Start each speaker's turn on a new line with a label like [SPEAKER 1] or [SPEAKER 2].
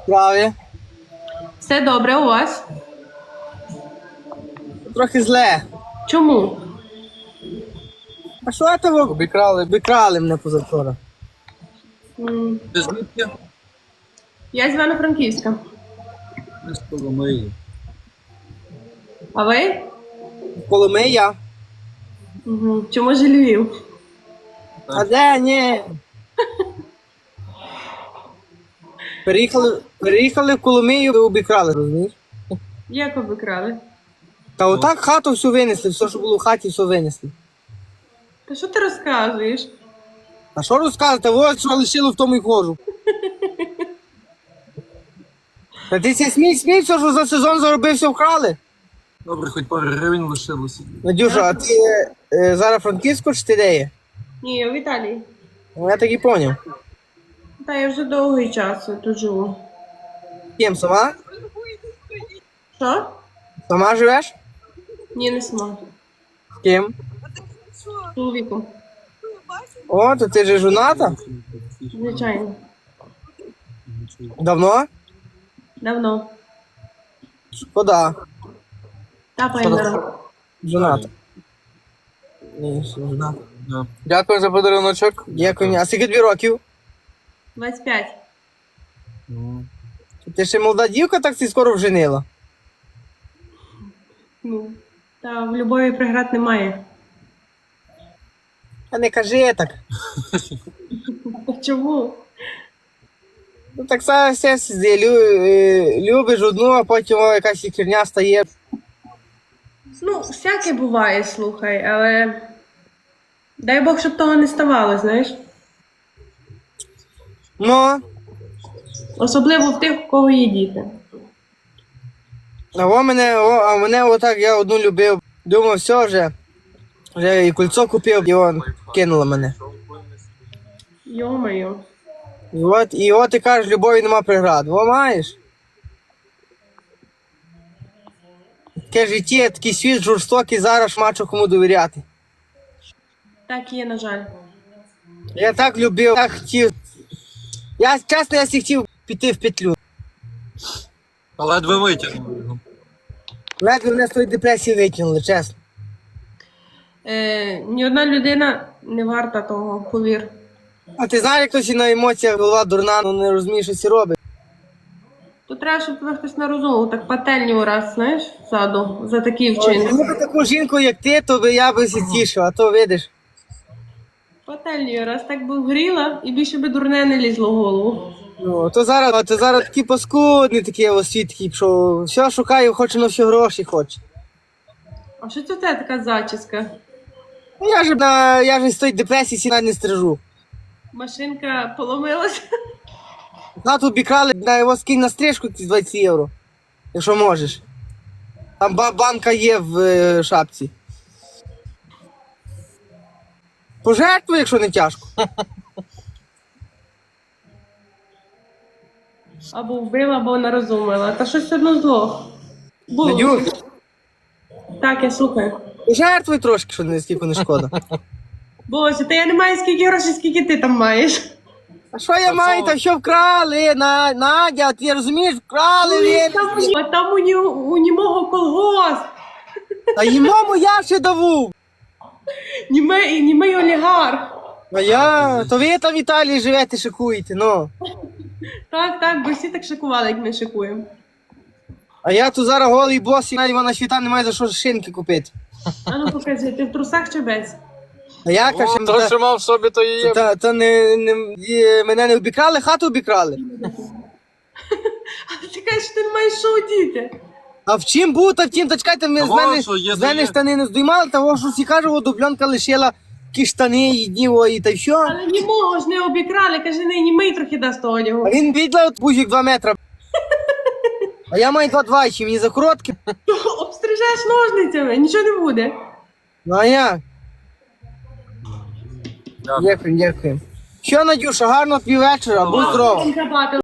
[SPEAKER 1] Справи.
[SPEAKER 2] Все добре у вас?
[SPEAKER 1] Трохи зле.
[SPEAKER 2] Чому?
[SPEAKER 1] А що того? Обікрали мене позавчора.
[SPEAKER 3] Ти звідки?
[SPEAKER 2] Я з Івано-Франківська.
[SPEAKER 3] Ми з Коломиї.
[SPEAKER 2] А ви?
[SPEAKER 1] Коломия.
[SPEAKER 2] Угу. Чому ж Львів?
[SPEAKER 1] А де? Ні. Переїхали в Коломию, обікрали, розумієш?
[SPEAKER 2] Як обікрали?
[SPEAKER 1] Та отак хату всю винесли, все, що було в хаті, все винесли.
[SPEAKER 2] Та що ти розказуєш?
[SPEAKER 1] А що розказати? Ось що лишило, в тому і ходжу. Та ти ся смій, все, що за сезон заробився, вкрали.
[SPEAKER 3] Добре, хоч пару гривень лишилося.
[SPEAKER 1] Надюша, а ти зараз Франківську чи ти де є?
[SPEAKER 2] Ні, в Італії.
[SPEAKER 1] Ну, я так і поняв.
[SPEAKER 2] Та я вже довгий час тут живу.
[SPEAKER 1] Ким, сама?
[SPEAKER 2] Що?
[SPEAKER 1] Сама живеш?
[SPEAKER 2] Ні, не сама.
[SPEAKER 1] З ким?
[SPEAKER 2] З чоловіком.
[SPEAKER 1] О, то ти же жоната?
[SPEAKER 2] Звичайно.
[SPEAKER 1] Давно?
[SPEAKER 2] Давно.
[SPEAKER 1] Шкода.
[SPEAKER 2] Тапаємо на роботу.
[SPEAKER 1] Жоната. Ні, ще не жоната.
[SPEAKER 3] Да.
[SPEAKER 1] Дякую за подаруночок. Дякую. А скільки тобі років?
[SPEAKER 2] 25.
[SPEAKER 3] Ну,
[SPEAKER 1] Ти ще молода дівка, так ти скоро вженила.
[SPEAKER 2] Ну, та в любові преград немає.
[SPEAKER 1] А не кажи так.
[SPEAKER 2] Чому?
[SPEAKER 1] Ну так все любиш одну, а потім якась херня стає.
[SPEAKER 2] Ну, всяке буває, слухай, але дай Бог, щоб того не ставало, знаєш?
[SPEAKER 1] Ну,
[SPEAKER 2] Особливо в тих, у кого є діти.
[SPEAKER 1] а мене отак я одну любив. Думав, все вже і кольцо купив, і он кинула мене.
[SPEAKER 2] Йо-моє.
[SPEAKER 1] І от ти кажеш, любові нема преград. Во маєш? Таке життя, такий світ жорстокий, зараз мачо кому довіряти.
[SPEAKER 2] Так є, на жаль.
[SPEAKER 1] Я так любив, так хотів. Чесно, я всі хотів піти в петлю.
[SPEAKER 3] а ледве витягнув його.
[SPEAKER 1] Ледве мене з тої депресії витягнули, чесно.
[SPEAKER 2] Ні одна людина не варта того, повір.
[SPEAKER 1] А ти знаєш, як хтось і на емоціях голова дурна, ну не розуміє, що це робить.
[SPEAKER 2] То треба, щоб тебе хтось нарозумів, так пательню раз, знаєш, ззаду, за такі
[SPEAKER 1] Ой,
[SPEAKER 2] вчинки.
[SPEAKER 1] ну, таку жінку, як ти, то би я би тішив, а то видиш.
[SPEAKER 2] Пательню раз так би вгріла, і більше би дурне не лізло в голову.
[SPEAKER 1] Ну, то зараз такі паскудні такі освітки, що все шукаю, хоче на всі гроші хоче.
[SPEAKER 2] А що це в тебе така зачіска?
[SPEAKER 1] Ну, я ж з тої депресії сіна не стрижу.
[SPEAKER 2] Машинка поломилася.
[SPEAKER 1] Хату обікрали, на його скинь на стрижку 20 євро, якщо можеш. Там банка є в шапці. Пожертвуй, якщо не тяжко.
[SPEAKER 2] Або вбила, або нарозумила. Та щось одно зло. Було.
[SPEAKER 1] Надюш,
[SPEAKER 2] Так, я слухаю.
[SPEAKER 1] пожертвуй трошки, що скільки не шкода.
[SPEAKER 2] Боже, та я не маю скільки грошей, скільки ти там маєш.
[SPEAKER 1] А що я маю, та що вкрали, Надя, ти розумієш, вкрали,
[SPEAKER 2] А там у німого колгосп.
[SPEAKER 1] Та йому я ще даву.
[SPEAKER 2] Німий олігарх.
[SPEAKER 1] То ви там в Італії живете, шикуєте, ну.
[SPEAKER 2] Так, бо всі так шикували, як ми шикуємо.
[SPEAKER 1] А я тут зараз голий бос, і навіть вона світа немає за що шинки купити.
[SPEAKER 2] А ну покажи, ти в трусах чи без?
[SPEAKER 1] А я кажу,
[SPEAKER 3] То, що мав в собі, то і є.
[SPEAKER 1] мене не обікрали, хату обікрали.
[SPEAKER 2] А ти кажеш, що ти не маєш що одіти.
[SPEAKER 1] А в чим був, та в тім, та чекайте, з мене
[SPEAKER 3] є.
[SPEAKER 1] штани не здіймали, того що всі кажуть, дубльонка лишила ті штани, і та й що.
[SPEAKER 2] Але німого ж не обікрали, каже, не німий трохи дасть одягу.
[SPEAKER 1] А він відла пузик 2 метри. А я маю 2,2, чи мені за короткі.
[SPEAKER 2] Обстрижеш ножницями, нічого не буде.
[SPEAKER 1] Ну а як?
[SPEAKER 3] Дякую.
[SPEAKER 1] Дякую. Що, Надюша, гарного тобі вечора, будь здорова.
[SPEAKER 2] Забати.